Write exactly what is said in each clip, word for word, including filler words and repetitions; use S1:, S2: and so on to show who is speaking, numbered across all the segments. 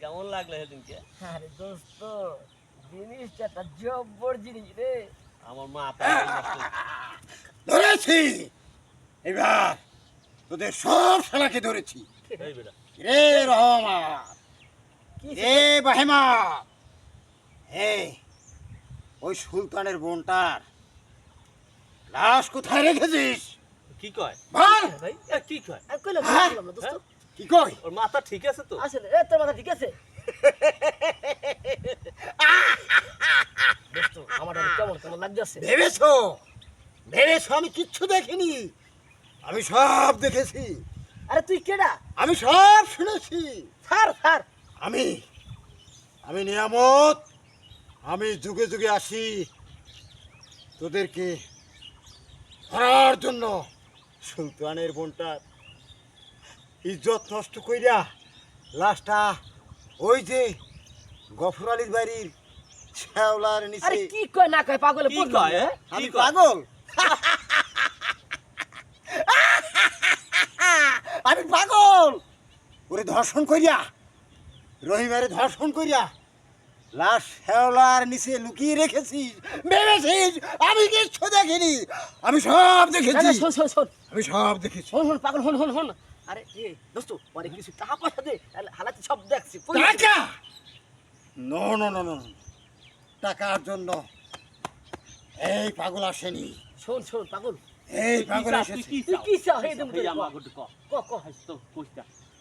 S1: কেমন লাগলো সেদিনকে?
S2: আরে দোস্ত জিনিসটা একটা জব্বর জিনিস রে।
S1: আমার মাথা
S3: ধরেছি এবার তোদের সব শালাকে ধরেছি।
S1: এই বেটা
S3: রে রহমান, রে বাহেমা, হে ওই সুলতানের বোনটার লাশ কোথায় রেখেছিস?
S1: কি কয়
S3: বল।
S1: ভাই? এ, কি কয়?
S2: আমি কইলাম
S3: হ্যাঁ?
S2: কইলাম না দোস্ত।
S3: কি কই?
S1: ওর মাথা ঠিক আছে তো?
S2: আসলে এ তোর মাথা ঠিক আছে দোস্ত? আমার এটা কেমন কেমন লাগতেছে?
S3: ভেবেছো ভেবেছো আমি কিচ্ছু দেখিনি? আমি সব দেখেছি,
S2: আরে তুই কেডা?
S3: আমি সব শুনেছি।
S2: স্যার স্যার
S3: আমি আমি নিয়ামত, আমি যুগে যুগে আসি তোদেরকে ধরার জন্য। সুলতানের বোনটার ইজ্জত নষ্ট কইরা লাশটা ওই যে গফর আলীর বাড়ির শ্যাওলার
S2: আরে
S3: নিচে।
S2: কি কয় না কয় পাগলে
S1: কি
S2: বুঝলাম
S1: কয়?
S2: না।
S1: হ্যাঁ?
S3: আমি
S1: কি কয়?
S3: পাগল? আমি পাগল? ওরে ধর্ষণ করিয়া, রহিমারে ধর্ষণ করিয়া লাশ শ্যাওলার নিচে লুকিয়ে রেখেছিস, ভেবেছিস আমি কিচ্ছু দেখিনি? আমি সব
S2: না,
S3: দেখেছি,
S2: না, শোন শোন শোন
S3: আমি সব দেখেছি।
S2: শোন শোন পাগল শোন শোন শোন আরে এ দোস্ত পরে কিছু টাকা পয়সা দে হালাতে সব দেখছি কই আছে?
S3: টাকা? নো নো নো নো, টাকার জন্য এই পাগল আসেনি,
S2: শোন শোন পাগল
S3: এই
S1: তুই কি
S3: পাগল
S1: চাস? তুই
S3: এসেছে।
S1: কি
S2: তুই
S1: চাস?
S2: কি চাস? এই দেম
S1: এই
S2: তোরে
S1: আমার
S2: ক।
S1: গটে ক।
S2: ক ক
S1: হাস তো কইতা।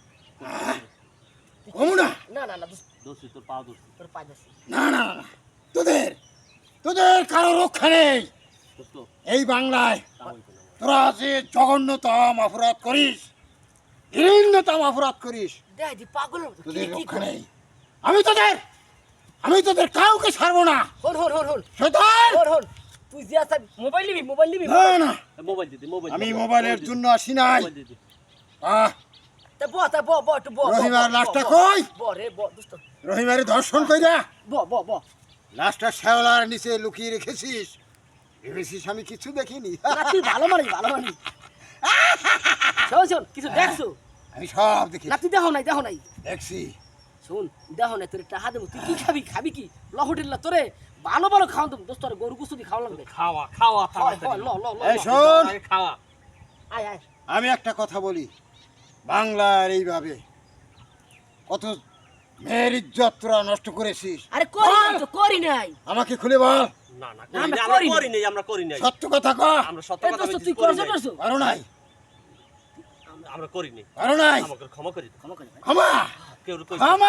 S3: কমু না,
S2: না না না দোস্ত
S1: দোষী তোর পা দোষী।
S2: তোর পাই যাচ্ছে
S3: না না না, না। তোদের তোদের কারো রক্ষা নেই
S1: দোস্ত
S3: এই বাংলায়।
S1: তা হইতো না।
S3: তোরা যে জঘন্যতম অপরাধ করিস, ঘৃণ্যতম অপরাধ করিস,
S2: দেখ দি পাগলের মতো কি
S3: তোদের
S2: কি
S3: রক্ষা
S2: করে
S3: নেই। আমি তোদের আমি তোদের কাউকে ছাড়বো না।
S2: হন হন হন হন
S3: শয়তান!
S2: হন হন তুই যে আসা মোবাইল নিবি মোবাইল নিবি
S3: না না,
S1: এ, মোবাইল দিদি মোবাইল
S3: আমি
S1: দিদি,
S3: মোবাইলের
S1: দিদি,
S3: জন্য আসি নাই।
S1: মোবাইল দিদি।
S3: আহ,
S2: তা ব তা ব ব একটু ব ব, ব,
S3: রহিমার
S2: ব,
S3: লাশটা
S2: ব,
S3: কই?
S2: ব রে ব দোস্ত
S3: রহিমারে ধর্ষণ কইরা
S2: ব ব ব
S3: লাশটা শ্যাওলার নিচে লুকিয়ে রেখেছিস, ভেবেছিস আমি কিছু দেখিনি?
S2: না তুই ভালো মানিস ভালো মানিস শোন শোন কিছু দেখছো
S3: আমি সব দেখি,
S2: না তুই দেখো নাই দেখো নাই
S3: দেখছি।
S2: শোন দেখো নাই তোর টাকা দেবো তুই কি খাবি খাবি কি ল হোটেল না তোরে ভালো ভালো খাওয়া দেবো দোস্ত তোর গরু কুসুদি খাওয়া লাগবে
S1: খাওয়া খাওয়া খাওয়া
S2: হয়, হয়, ল ল ল
S3: এই
S2: ল।
S3: শোন,
S1: আগে খাওয়া।
S2: আয় আয়
S3: আমি একটা কথা বলি, বাংলার এইভাবে কত মেয়ের ইজ্জত তোরা নষ্ট করেছিস।
S2: আরে করি নাই
S3: বল,
S2: তো করি নাই
S3: আমাকে খুলে বল,
S1: না না
S2: না,
S1: করি
S2: আমরা
S1: নাই, আমরা
S2: করি নাই।
S1: করি নাই আমরা করি নাই
S3: সত্য কথা ক।
S1: আমরা সত্য
S2: এ
S1: কথা
S2: দোস্ত
S1: বলছি,
S2: তুই
S1: করি
S2: করছো
S1: নাই।
S2: করছো
S3: পারো নাই,
S1: আমরা- আমরা করি নাই
S3: পারো নাই,
S1: আমাকে ক্ষমা করে দিতে।
S2: ক্ষমা করে ভাই।
S3: ক্ষমা
S1: কেউ কই
S3: ক্ষমা।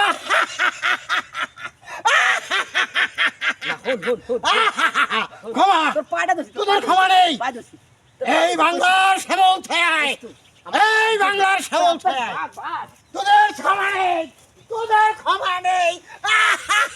S2: না হন হন হন
S3: ক্ষমা,
S2: তোর পাটা দোস্ত
S3: তোদের ক্ষমা নেই।
S2: পাই দোস্ত
S3: এই বাংলার শ্যামল ছায়, এই বাংলার শ্যামল ছায়, তোদের ক্ষমা নেই, তোদের ক্ষমা নেই।